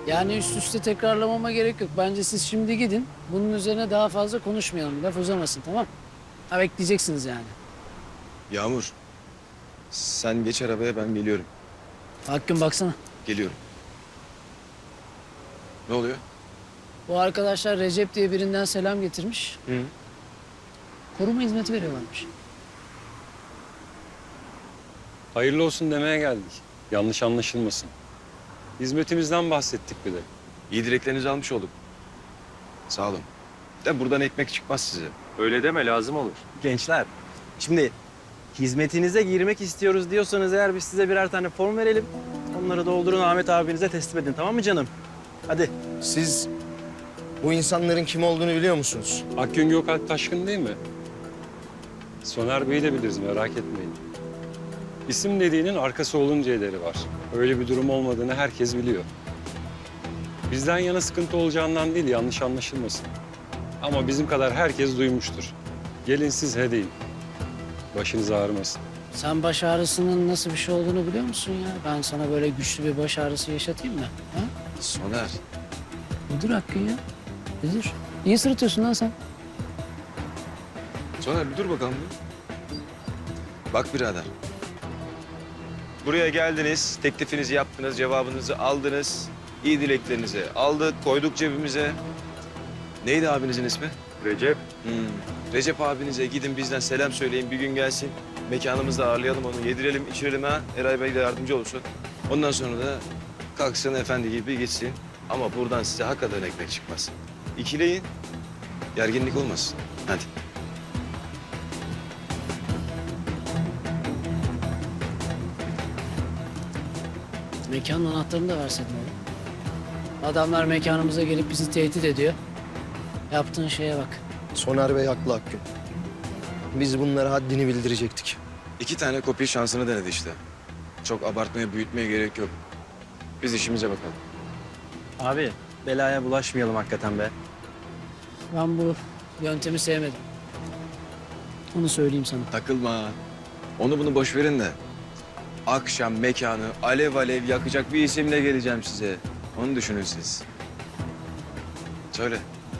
Yani üst üste tekrarlamama gerek yok. Bence siz şimdi gidin. Bunun üzerine daha fazla konuşmayalım. Laf uzamasın, tamam? Ha, bekleyeceksiniz yani. Yağmur, sen geç arabaya, ben geliyorum. Hakkın baksana. Geliyorum. Ne oluyor? Bu arkadaşlar Recep diye birinden selam getirmiş. Hı. Koruma hizmeti veriyorlarmış. Hayırlı olsun demeye geldik. Yanlış anlaşılmasın. Hizmetimizden bahsettik bir de. İyi dileklerinizi almış olduk. Sağ olun. De buradan ekmek çıkmaz size. Öyle deme, lazım olur. Gençler, şimdi hizmetinize girmek istiyoruz diyorsanız eğer biz size birer tane form verelim. Onları doldurun, Ahmet abinize teslim edin, tamam mı canım? Hadi. Siz bu insanların kim olduğunu biliyor musunuz? Akgün Gökalp Taşkın değil mi? Soner Bey'i de biliriz, merak etmeyin. İsim dediğinin arkası olunca ederi var. Öyle bir durum olmadığını herkes biliyor. Bizden yana sıkıntı olacağından değil, yanlış anlaşılmasın. Ama bizim kadar herkes duymuştur. Gelin siz he deyin. Başınız ağrımasın. Sen baş ağrısının nasıl bir şey olduğunu biliyor musun ya? Ben sana böyle güçlü bir baş ağrısı yaşatayım mı? Ha? Soner, Bir dur Hakkın ya. Bir dur. Niye sırıtıyorsun lan sen? Soner bir dur bakalım bir. Bak birader. Buraya geldiniz, teklifinizi yaptınız, cevabınızı aldınız. İyi dileklerinizi aldık, koyduk cebimize. Neydi abinizin ismi? Recep. Recep abinize gidin bizden selam söyleyin, bir gün gelsin. Mekanımızda ağırlayalım onu, yedirelim, içirelim ha. Eray Bey de yardımcı olsun. Ondan sonra da kalksın efendi gibi gitsin. Ama buradan size hakikaten ekmek çıkmaz. İkileyin, gerginlik olmasın. Hadi. Mekanın anahtarını da verseydin oğlum. Adamlar mekanımıza gelip bizi tehdit ediyor. Yaptığın şeye bak. Soner Bey haklı Akgün. Biz bunlara haddini bildirecektik. 2 tane kopya şansını denedi işte. Çok abartmaya, büyütmeye gerek yok. Biz işimize bakalım. Abi, belaya bulaşmayalım hakikaten be. Ben bu yöntemi sevmedim. Onu söyleyeyim sana. Takılma. Onu bunu boş verin de. Akşam mekanı alev alev yakacak bir isimle geleceğim size. Onu düşünün siz. Söyle.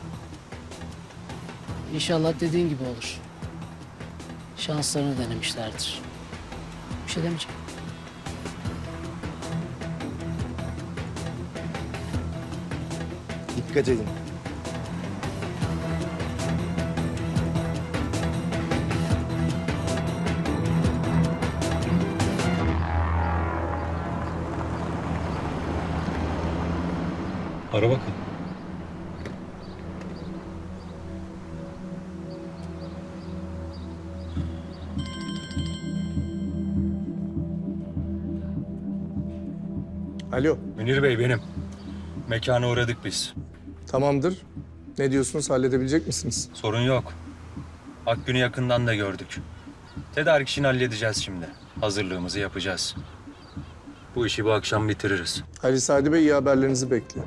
İnşallah dediğin gibi olur. Şanslarını denemişlerdir. Bir şey demeyeceğim. Dikkat edin. Ara bakalım. Alo, Münir Bey benim. Mekana uğradık biz. tamamdır. Ne diyorsunuz, halledebilecek misiniz? Sorun yok. Akgün'ü yakından da gördük. Tedarik işini halledeceğiz şimdi. Hazırlığımızı yapacağız. Bu işi bu akşam bitiririz. Ali Sadi Bey iyi haberlerinizi bekliyor.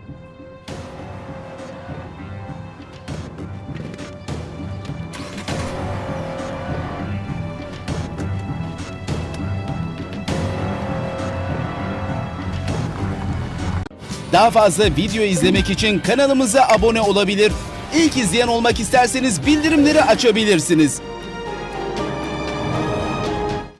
Daha fazla video izlemek için kanalımıza abone olabilir. İlk izleyen olmak isterseniz bildirimleri açabilirsiniz.